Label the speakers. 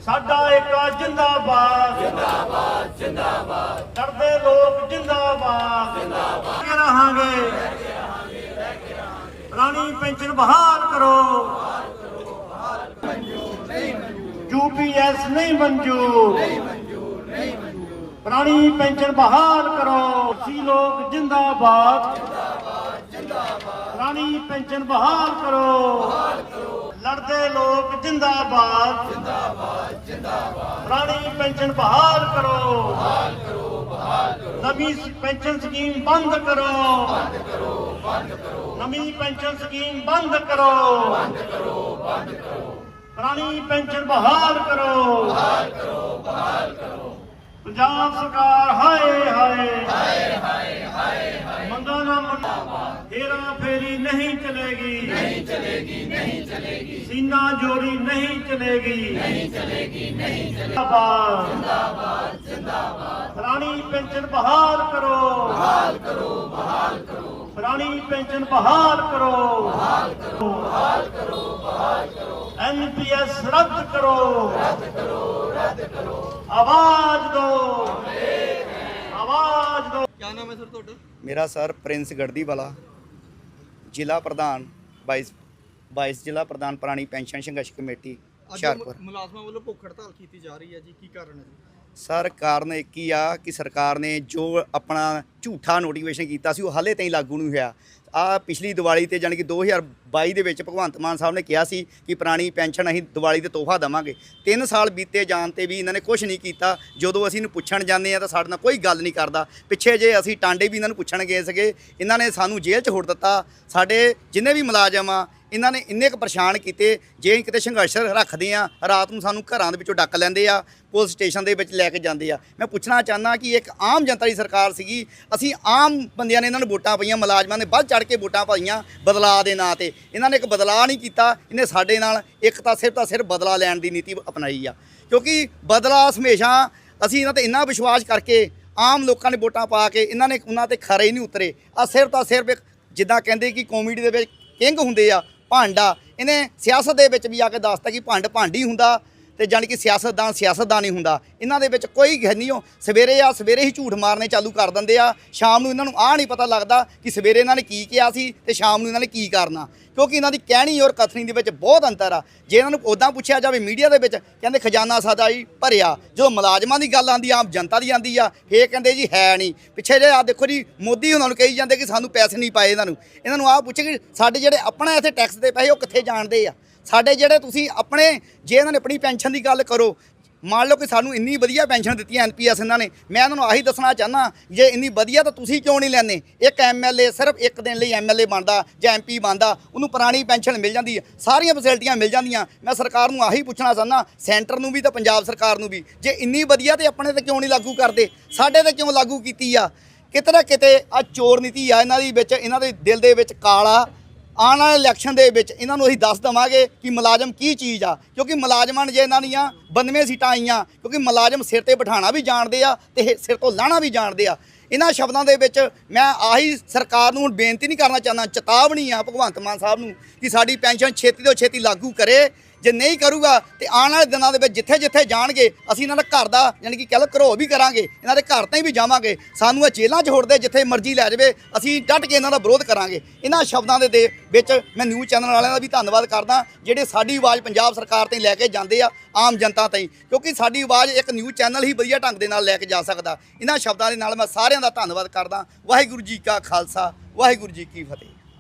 Speaker 1: साडा एका जिंदाबाद जिंदाबाद जिंदाबाद करदे लोग जिंदाबाद जिंदाबाद रहांगे पुरानी पेंशन बहाल करो यूपीएस नहीं मंजूर पुरानी पेंशन बहाल करो सी लोग जिंदाबाद पुरानी पेंशन बहाल करो लड़ते लोग जिंदाबाद पुरानी पेंशन बहाल करो नवी पेंशन स्कीम बंद करो नवी पेंशन स्कीम बंद करो पुरानी पेंशन बहाल करो पंजाब सरकार हाय हाय मंगा ना हेरा फेरी नहीं चलेगी सीना जोरी नहीं चलेगी पुरानी पेंशन बहाल करो पुरानी पेंशन बहाल करो एनपीएस रद्द करो आवाज दो आवाज दो।
Speaker 2: क्या नाम है सर ਤੁਹਾਡਾ?
Speaker 3: मेरा सर प्रिंस गढ़दी वाला ਜ਼ਿਲ੍ਹਾ ਪ੍ਰਧਾਨ 22 ਜ਼ਿਲ੍ਹਾ ਪ੍ਰਧਾਨ ਪੁਰਾਣੀ ਪੈਨਸ਼ਨ ਸੰਘਰਸ਼ ਕਮੇਟੀ ਹੁਸ਼ਿਆਰਪੁਰ।
Speaker 2: ਮੁਲਾਜ਼ਮਾਂ ਵੱਲੋਂ ਭੁੱਖ ਹੜਤਾਲ ਕੀਤੀ ਜਾ ਰਹੀ ਹੈ ਜੀ, ਕੀ ਕਾਰਨ ਹੈ ਜੀ?
Speaker 3: ਸਰ ਕਾਰਨ ਇੱਕ ਹੀ ਆ ਕਿ ਸਰਕਾਰ ਨੇ ਜੋ ਆਪਣਾ ਝੂਠਾ ਨੋਟੀਫਿਕੇਸ਼ਨ ਕੀਤਾ ਸੀ ਉਹ ਹਾਲੇ ਤਾਈਂ ਲਾਗੂ ਨਹੀਂ ਹੋਇਆ। ਆ ਪਿਛਲੀ ਦੀਵਾਲੀ ਤੇ ਜਾਣੀ ਕਿ 2022 ਦੇ ਵਿੱਚ ਭਗਵੰਤ ਮਾਨ ਸਾਹਿਬ ਨੇ ਕਿਹਾ ਸੀ ਕਿ ਪੁਰਾਣੀ ਪੈਨਸ਼ਨ ਅਸੀਂ ਦੀਵਾਲੀ ਤੇ ਤੋਹਫਾ ਦੇਵਾਂਗੇ। 3 ਸਾਲ ਬੀਤੇ ਜਾਣ ਤੇ ਵੀ ਇਹਨਾਂ ਨੇ ਕੁਝ ਨਹੀਂ ਕੀਤਾ। ਜਦੋਂ ਅਸੀਂ ਇਹਨੂੰ ਪੁੱਛਣ ਜਾਂਦੇ ਆ ਤਾਂ ਸਾਡੇ ਨਾਲ ਕੋਈ ਗੱਲ ਨਹੀਂ ਕਰਦਾ। ਪਿੱਛੇ ਜੇ ਅਸੀਂ ਟਾਂਡੇ ਵੀ ਇਹਨਾਂ ਨੂੰ ਪੁੱਛਣ ਗਏ ਸੀਗੇ, ਇਹਨਾਂ ਨੇ ਸਾਨੂੰ ਜੇਲ੍ਹ 'ਚ ਹੁੜ ਦਿੱਤਾ। ਸਾਡੇ ਜਿੰਨੇ ਵੀ ਮੁਲਾਜ਼ਮ ਆ ਇਹਨਾਂ ਨੇ ਇੰਨੇ ਕੁ ਪਰੇਸ਼ਾਨ ਕੀਤੇ, ਜੇ ਕਿਤੇ ਸੰਘਰਸ਼ ਰੱਖਦੇ ਆ ਰਾਤ ਨੂੰ ਸਾਨੂੰ ਘਰਾਂ ਦੇ ਵਿੱਚੋਂ ਡੱਕ ਲੈਂਦੇ ਆ, ਪੁਲਿਸ ਸਟੇਸ਼ਨ ਦੇ ਵਿੱਚ ਲੈ ਕੇ ਜਾਂਦੇ ਆ। ਮੈਂ ਪੁੱਛਣਾ ਚਾਹੁੰਦਾ ਕਿ ਇੱਕ ਆਮ ਜਨਤਾ ਦੀ ਸਰਕਾਰ ਸੀਗੀ, ਅਸੀਂ ਆਮ ਬੰਦਿਆਂ ਨੇ ਇਹਨਾਂ ਨੂੰ ਵੋਟਾਂ ਪਈਆਂ, ਮੁਲਾਜ਼ਮਾਂ ਨੇ ਵੱਧ ਚੜ੍ਹ ਕੇ ਵੋਟਾਂ ਪਾਈਆਂ ਬਦਲਾਅ ਦੇ ਨਾਂ ਤੇ। ਇਹਨਾਂ ਨੇ ਇੱਕ ਬਦਲਾਅ ਨਹੀਂ ਕੀਤਾ, ਇਹਨੇ ਸਾਡੇ ਨਾਲ ਇੱਕ ਤਾਂ ਸਿਰਫ ਬਦਲਾ ਲੈਣ ਦੀ ਨੀਤੀ ਅਪਣਾਈ ਆ। ਕਿਉਂਕਿ ਬਦਲਾ ਹਮੇਸ਼ਾ ਅਸੀਂ ਇਹਨਾਂ ਤੇ ਇੰਨਾ ਵਿਸ਼ਵਾਸ ਕਰਕੇ ਆਮ ਲੋਕਾਂ ਨੇ ਵੋਟਾਂ ਪਾ ਕੇ ਇਹਨਾਂ ਨੇ ਉਹਨਾਂ ਤੇ ਖਰੇ ਹੀ ਨਹੀਂ ਉਤਰੇ। ਆ ਸਿਰਫ ਇੱਕ ਜਿੱਦਾਂ ਕਹਿੰਦੇ ਕਿ ਕਾਮੇਡੀ ਦੇ ਵਿੱਚ ਕਿੰਗ ਹੁੰਦੇ ਆ ਭਾਂਡਾ, ਇਹਨੇ ਸਿਆਸਤ ਦੇ ਵਿੱਚ ਵੀ ਆ ਕੇ ਦੱਸਤਾ ਕਿ ਭੰਡ ਹੀ ਹੁੰਦਾ ਤੇ ਜਾਣੀ ਕਿ ਸਿਆਸਤਦਾਨ ਹੀ ਹੁੰਦਾ। ਇਹਨਾਂ ਦੇ ਵਿੱਚ ਕੋਈ ਹੈ ਨਹੀਂ। ਉਹ ਸਵੇਰੇ ਹੀ ਝੂਠ ਮਾਰਨੇ ਚਾਲੂ ਕਰ ਦਿੰਦੇ ਆ, ਸ਼ਾਮ ਨੂੰ ਇਹਨਾਂ ਨੂੰ ਆਹ ਨਹੀਂ ਪਤਾ ਲੱਗਦਾ ਕਿ ਸਵੇਰੇ ਇਹਨਾਂ ਨੇ ਕੀ ਕਿਹਾ ਸੀ ਤੇ ਸ਼ਾਮ ਨੂੰ ਇਹਨਾਂ ਨੇ ਕੀ ਕਰਨਾ। ਕਿਉਂਕਿ ਇਹਨਾਂ ਦੀ ਕਹਿਣੀ ਔਰ ਕਥਨੀ ਦੇ ਵਿੱਚ ਬਹੁਤ ਅੰਤਰ ਆ। ਜੇ ਇਹਨਾਂ ਨੂੰ ਉੱਦਾਂ ਪੁੱਛਿਆ ਜਾਵੇ ਮੀਡੀਆ ਦੇ ਵਿੱਚ ਕਹਿੰਦੇ ਖਜ਼ਾਨਾ ਸਾਡਾ ਹੀ ਭਰਿਆ, ਜਦੋਂ ਮੁਲਾਜ਼ਮਾਂ ਦੀ ਗੱਲ ਆਉਂਦੀ ਆਮ ਜਨਤਾ ਦੀ ਆਉਂਦੀ ਆ ਫੇਰ ਕਹਿੰਦੇ ਜੀ ਹੈ ਨਹੀਂ। ਪਿੱਛੇ ਜੇ ਆ ਦੇਖੋ ਜੀ ਮੋਦੀ ਉਹਨਾਂ ਨੂੰ ਕਹੀ ਜਾਂਦੇ ਕਿ ਸਾਨੂੰ ਪੈਸੇ ਨਹੀਂ ਪਾਏ। ਇਹਨਾਂ ਨੂੰ ਆਹ ਪੁੱਛੇ ਕਿ ਸਾਡੇ ਜਿਹੜੇ ਆਪਣਾ ਇੱਥੇ ਟੈਕਸ ਦੇ ਪੈਸੇ ਉਹ ਕਿੱਥੇ ਜਾਣਦੇ ਆ। ਸਾਡੇ ਜਿਹੜੇ ਤੁਸੀਂ ਆਪਣੇ ਜੇ ਇਹਨਾਂ ਨੇ ਆਪਣੀ ਪੈਨਸ਼ਨ ਦੀ ਗੱਲ ਕਰੋ, ਮੰਨ ਲਓ ਕਿ ਸਾਨੂੰ ਇੰਨੀ ਵਧੀਆ ਪੈਨਸ਼ਨ ਦਿੱਤੀ ਐਨਪੀਐਸ ਇਹਨਾਂ ਨੇ, ਮੈਂ ਇਹਨਾਂ ਨੂੰ ਆਹੀ ਦੱਸਣਾ ਚਾਹੁੰਦਾ ਜੇ ਇੰਨੀ ਵਧੀਆ ਤਾਂ ਤੁਸੀਂ ਕਿਉਂ ਨਹੀਂ ਲੈਂਦੇ। ਇੱਕ ਐਮਐਲਏ ਸਿਰਫ ਇੱਕ ਦਿਨ ਲਈ ਐਮਐਲਏ ਬਣਦਾ ਜਾਂ ਐਮਪੀ ਬਣਦਾ, ਉਹਨੂੰ ਪੁਰਾਣੀ ਪੈਨਸ਼ਨ ਮਿਲ ਜਾਂਦੀ ਹੈ, ਸਾਰੀਆਂ ਫੈਸਿਲਿਟੀਆਂ ਮਿਲ ਜਾਂਦੀਆਂ। ਮੈਂ ਸਰਕਾਰ ਨੂੰ ਆਹੀ ਪੁੱਛਣਾ ਚਾਹੁੰਦਾ, ਸੈਂਟਰ ਨੂੰ ਵੀ ਤਾਂ ਪੰਜਾਬ ਸਰਕਾਰ ਨੂੰ ਵੀ, ਜੇ ਇੰਨੀ ਵਧੀਆ ਤੇ ਆਪਣੇ ਤੇ ਕਿਉਂ ਨਹੀਂ ਲਾਗੂ ਕਰਦੇ, ਸਾਡੇ ਤੇ ਕਿਉਂ ਲਾਗੂ ਕੀਤੀ ਆ। ਕਿਤੇ ਨਾ ਕਿਤੇ ਆ ਚੋਰ ਨੀਤੀ ਆ ਇਹਨਾਂ ਦੀ ਵਿੱਚ, ਇਹਨਾਂ ਦੇ ਦਿਲ ਦੇ ਵਿੱਚ ਕਾਲਾ। ਆਉਣ ਵਾਲੇ ਇਲੈਕਸ਼ਨ ਦੇ ਵਿੱਚ ਇਹਨਾਂ ਨੂੰ ਅਸੀਂ ਦੱਸ ਦੇਵਾਂਗੇ ਕਿ ਮੁਲਾਜ਼ਮ ਕੀ ਚੀਜ਼ ਆ। ਕਿਉਂਕਿ ਮੁਲਾਜ਼ਮਾਂ ਨੇ ਜੇ ਇਹਨਾਂ ਦੀਆਂ 92 ਸੀਟਾਂ ਆਈਆਂ, ਕਿਉਂਕਿ ਮੁਲਾਜ਼ਮ ਸਿਰ ਤੇ ਬਿਠਾਉਣਾ ਵੀ ਜਾਣਦੇ ਆ ਤੇ ਸਿਰ ਤੋਂ ਲਾਹਣਾ ਵੀ ਜਾਣਦੇ ਆ। ਇਹਨਾਂ ਸ਼ਬਦਾਂ ਦੇ ਵਿੱਚ ਮੈਂ ਆਹੀ ਸਰਕਾਰ ਨੂੰ ਹੁਣ ਬੇਨਤੀ ਨਹੀਂ ਕਰਨਾ ਚਾਹੁੰਦਾ, ਚੇਤਾਵਨੀ ਆ ਭਗਵੰਤ ਮਾਨ ਸਾਹਿਬ ਨੂੰ ਕਿ ਸਾਡੀ ਪੈਨਸ਼ਨ ਛੇਤੀ ਤੋਂ ਛੇਤੀ ਲਾਗੂ ਕਰੇ। ਜੇ ਨਹੀਂ ਕਰੂਗਾ ਤੇ ਆਉਣ ਵਾਲੇ ਦਿਨਾਂ ਦੇ ਵਿੱਚ ਜਿੱਥੇ ਜਾਣਗੇ ਅਸੀਂ ਇਹਨਾਂ ਦਾ ਘਰ ਦਾ ਯਾਨੀ ਕਿ ਕਹਿ ਲਓ ਘਰੋ ਵੀ ਕਰਾਂਗੇ, ਇਹਨਾਂ ਦੇ ਘਰ ਤਾਈਂ ਵੀ ਜਾਵਾਂਗੇ। ਸਾਨੂੰ ਇਹ ਜੇਲ੍ਹਾਂ 'ਚ ਹੋੜਦੇ ਜਿੱਥੇ ਮਰਜ਼ੀ ਲੈ ਜਾਵੇ, ਅਸੀਂ ਡਟ ਕੇ ਇਹਨਾਂ ਦਾ ਵਿਰੋਧ ਕਰਾਂਗੇ। ਇਹਨਾਂ ਸ਼ਬਦਾਂ ਦੇ ਵਿੱਚ ਮੈਂ ਨਿਊਜ਼ ਚੈਨਲ ਵਾਲਿਆਂ ਦਾ ਵੀ ਧੰਨਵਾਦ ਕਰਦਾ ਜਿਹੜੇ ਸਾਡੀ ਆਵਾਜ਼ ਪੰਜਾਬ ਸਰਕਾਰ ਤਾਈਂ ਲੈ ਕੇ ਜਾਂਦੇ ਆ, ਆਮ ਜਨਤਾ ਤਾਈਂ, ਕਿਉਂਕਿ ਸਾਡੀ ਆਵਾਜ਼ ਇੱਕ ਨਿਊਜ਼ ਚੈਨਲ ਹੀ ਵਧੀਆ ਢੰਗ ਦੇ ਨਾਲ ਲੈ ਕੇ ਜਾ ਸਕਦਾ। ਇਹਨਾਂ ਸ਼ਬਦਾਂ ਦੇ ਨਾਲ ਮੈਂ ਸਾਰਿਆਂ ਦਾ ਧੰਨਵਾਦ ਕਰਦਾ। ਵਾਹਿਗੁਰੂ ਜੀ ਕਾ ਖਾਲਸਾ, ਵਾਹਿਗੁਰੂ ਜੀ ਕੀ ਫਤਿਹ।